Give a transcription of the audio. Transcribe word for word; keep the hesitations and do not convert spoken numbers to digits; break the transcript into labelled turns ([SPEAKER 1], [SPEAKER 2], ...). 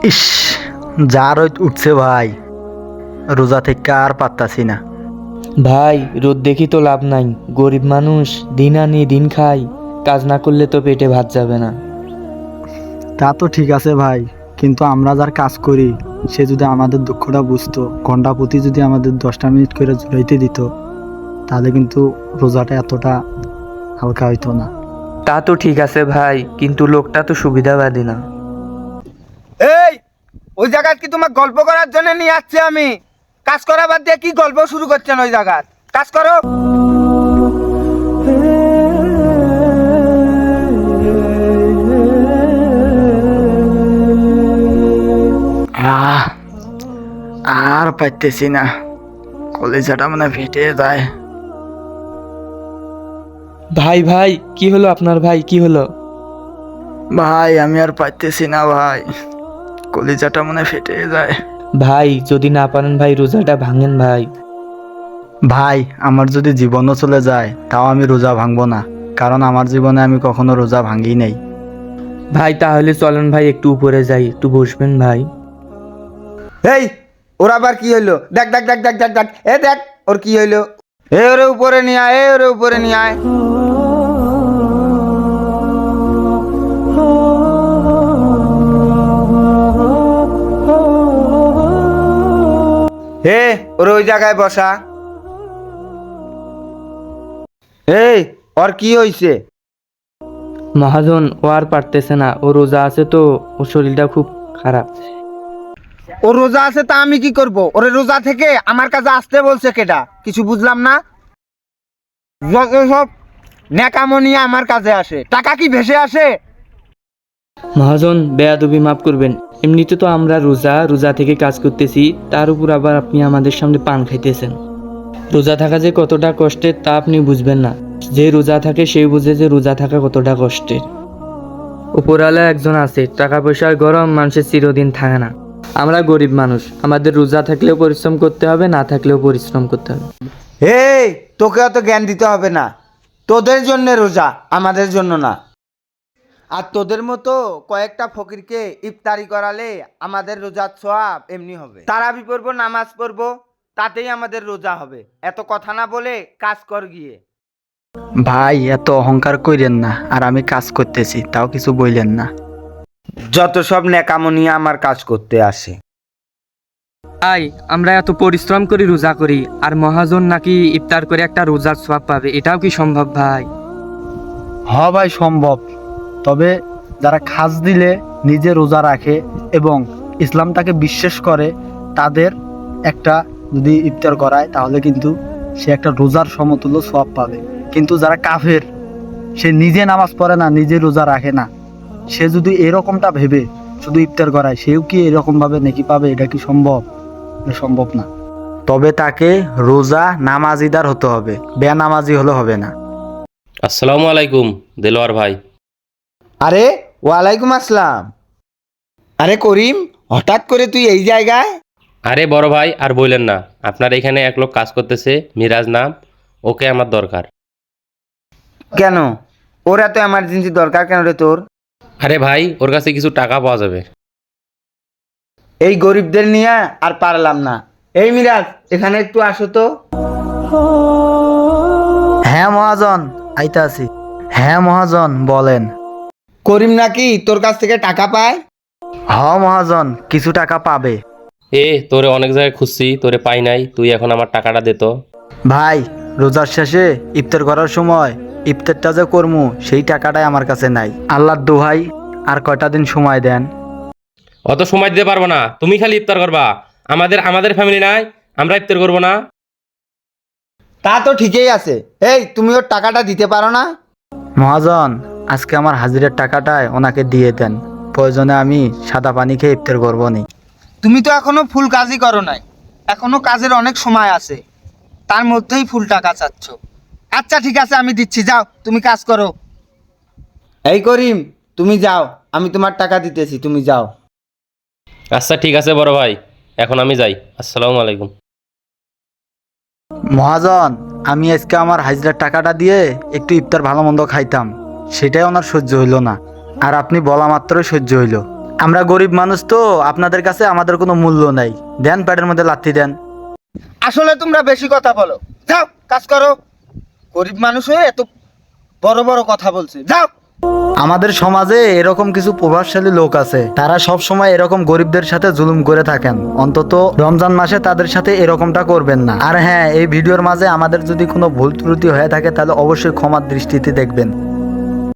[SPEAKER 1] ইস, যা রোদ উঠছে ভাই, রোজা থেকে আর পারতাছি না।
[SPEAKER 2] ভাই রোদ দেখি তো লাভ নাই, গরিব মানুষ দিন আনি দিন খাই, কাজ না করলে তো পেটে ভাত যাবে না।
[SPEAKER 1] তা তো ঠিক আছে ভাই, কিন্তু আমরা যার কাজ করি সে যদি আমাদের দুঃখটা বুঝতো, ঘন্টা প্রতি যদি আমাদের দশটা মিনিট করে জুড়াইতে দিত, তাহলে কিন্তু রোজাটা এতটা হালকা হইতো না।
[SPEAKER 2] তা তো ঠিক আছে ভাই, কিন্তু লোকটা তো সুবিধাবাদী না।
[SPEAKER 3] এই ওই জায়গায় কি তোমার গল্প করার জন্য নিয়ে আসছি আমি? কাজ করা বাদ দিয়ে কি গল্প শুরু করছেন ওই জায়গায়? কাজ করো।
[SPEAKER 1] আহ আর পাইতেছি না, কলেজাটা মানে ফেটে যায়।
[SPEAKER 2] ভাই ভাই কি হলো আপনার, ভাই কি হলো?
[SPEAKER 1] ভাই আমি আর পাইতেছি না ভাই, কলেজাটা মানে ফেটে যায়।
[SPEAKER 2] ভাই যদি না পারেন ভাই রোজাটা ভাঙেন ভাই।
[SPEAKER 1] ভাই আমার যদি জীবনও চলে যায় তাও আমি রোজা ভাঙবো না, কারণ আমার জীবনে আমি কখনো রোজা ভাঙি নাই।
[SPEAKER 2] ভাই তাহলে চলেন ভাই একটু উপরে যাই, একটু বসবেন ভাই।
[SPEAKER 3] এই ওর আবার কি হইলো? দেখ দেখ দেখ দেখ দেখ দেখ এ দেখ ওর কি হইলো। এ ওরে উপরে নিয়ে আয়, এ ওরে উপরে নিয়ে আয়। হে ওরে ওই জায়গায় বসা। এই ওর কি হইছে?
[SPEAKER 2] মহাজন ও আর পারতেছে না, ও রোজা আছে তো, ওর শরীরটা খুব খারাপ।
[SPEAKER 3] ও রোজা আছে তা আমি কি করব? ওরে রোজা থেকে আমার কাছে আসতে বলছে কেডা? কিছু বুঝলাম না। যত সব নেকামো নিয়ে আমার কাছে আসে, টাকা কি ভেসে আসে?
[SPEAKER 2] মহাজন বেয়াদবি মাফ করবেন, এমনিতে তো আমরা রোজা রোজা থেকে কাজ করতেছি, তার উপর আবার আপনি আমাদের সামনে পান খাইতেছেন। রোজা থাকা যে কতটা কষ্টের তা আপনি বুঝবেন না, যে রোজা থাকে সেই বুঝে যে রোজা থাকা কতটা কষ্টের। উপরওয়ালা একজন আছে, টাকা পয়সার গরম মানুষের চিরদিন থাকে না। আমরা গরিব মানুষ, আমাদের রোজা থাকলেও পরিশ্রম করতে হবে, না থাকলেও পরিশ্রম করতে হবে।
[SPEAKER 3] এই তোকে অত জ্ঞান দিতে হবে না, তোদের জন্য রোজা, আমাদের জন্য না। আর তোদের মতো কয়েকটা ফকিরকে ইফতারি করালে আমাদের রোজার সওয়াব এমনি হবে। তারাবি পড়বো, নামাজ পড়বো, তাতেই আমাদের রোজা হবে। এত কথা না বলে কাজ কর গিয়ে।
[SPEAKER 1] ভাই এত অহংকার কইরেন না, আর আমি কাজ করতেছি তাও কিছু বইলেন না।
[SPEAKER 3] যত সব নেকামো নিয়ে আমার কাজ করতে আসে।
[SPEAKER 2] ভাই আমরা এত পরিশ্রম করি রোজা করি, আর মহাজন নাকি ইফতার করে একটা রোজার সওয়াব পাবে, এটাও কি সম্ভব ভাই?
[SPEAKER 1] হ ভাই সম্ভব, তবে যারা খাস দিলে নিজে রোজা রাখে এবং ইসলামটাকে বিশ্বাস করে তাদের একটা যদি ইফতার করায় তাহলে কিন্তু সে একটা রোজার সমতুল্য সওয়াব পাবে। কিন্তু যারা কাফের, সে নিজে নামাজ পড়ে না, নিজে রোজা রাখে না, সে যদি এরকমটা ভেবে শুধু ইফতার করায়, সেও কি এরকম ভাবে নেকি পাবে? এটা কি সম্ভব? এটা সম্ভব না। তবে তাকে রোজা নামাজিদার হতে হবে, বেনামাজি হলে হবে না।
[SPEAKER 4] আসসালামু আলাইকুম দেলোয়ার ভাই।
[SPEAKER 3] আরে ওয়ালাইকুম আসসালাম। আরে করিম, হঠাৎ করে তুই এই জায়গায়?
[SPEAKER 4] আরে বড় ভাই আর বললেন না, আপনার এখানে এক লোক কাজ করতেছে, মিরাজ নাম, ওকে আমার দরকার।
[SPEAKER 3] কেন ওর এত এমার্জেন্সি দরকার কেন রে তোর?
[SPEAKER 4] আরে ভাই ওর কাছে কিছু টাকা পাওয়া যাবে।
[SPEAKER 3] এই গরিবদের নিয়ে আর পারলাম না। এই মিরাজ এখানে একটু আসো তো।
[SPEAKER 1] হ্যাঁ মহাজন, আইতা আছি। হ্যাঁ মহাজন বলেন।
[SPEAKER 3] করিম নাকি তোর কাছ থেকে টাকা পায়?
[SPEAKER 1] হ মহাজন, কিছু টাকা পাবে।
[SPEAKER 4] এ তোরে অনেক জায়গায় খুঁজছি, তোরে পাই নাই, তুই এখন আমার টাকাটা দে তো।
[SPEAKER 1] ভাই রোজার শেষে ইফতার করার সময় ইফতারটা যে করমু সেই টাকাটাই আমার কাছে নাই। আল্লাহর দোহাই আর কয়টা দিন সময় দেন।
[SPEAKER 4] অত সময় দিতে পারবো না, তুমি খালি ইফতার করবা। আমাদের আমাদের ফ্যামিলি নাই, আমরা ইফতার করবো না।
[SPEAKER 3] তা তো ঠিকই আছে। এই তুমি ওর টাকাটা দিতে পারো না?
[SPEAKER 1] মহাজন আজকে আমার হাজিরের টাকাটাই ওনাকে দিয়ে দেন, প্রয়োজনে আমি সাদা পানি খেয়ে ইফতার করবো নি।
[SPEAKER 3] তুমি তো এখনো ফুল কাজই করো নাই, এখনো কাজের অনেক সময় আছে, তার মধ্যেই ফুল টাকা চাচ্ছ। আচ্ছা ঠিক আছে আমি দিচ্ছি, যাও তুমি কাজ করো। এই করিম তুমি যাও, আমি তোমার টাকা দিতেছি, তুমি যাও।
[SPEAKER 4] আচ্ছা ঠিক আছে বড় ভাই, এখন আমি যাই। আসসালামু আলাইকুম।
[SPEAKER 1] মহাজন আমি আজকে আমার হাজিরার টাকাটা দিয়ে একটু ইফতার ভালো মন্দ খাইতাম, সেটাই ওনার সহ্য হইল না, আর আপনি বলা মাত্রই সহ্য হইল। আমরা গরিব মানুষ তো, আপনাদের কাছে আমাদের কোনো মূল্য নাই। দেন, প্যাডের মধ্যে লাথি দেন।
[SPEAKER 3] আসলে তোমরা বেশি কথা বলো, যাও কাজ করো। গরিব মানুষ হয়ে এত বড় বড় কথা বলছে, যাও।
[SPEAKER 1] আমাদের সমাজে এরকম কিছু প্রভাবশালী লোক আছে, তারা সব সময় এরকম গরিবদের সাথে জুলুম করে থাকেন। অন্তত রমজান মাসে তাদের সাথে এরকমটা করবেন না। আর হ্যাঁ, এই ভিডিওর মাঝে আমাদের যদি কোনো ভুল ত্রুটি হয়ে থাকে তাহলে অবশ্যই ক্ষমার দৃষ্টিতে দেখবেন।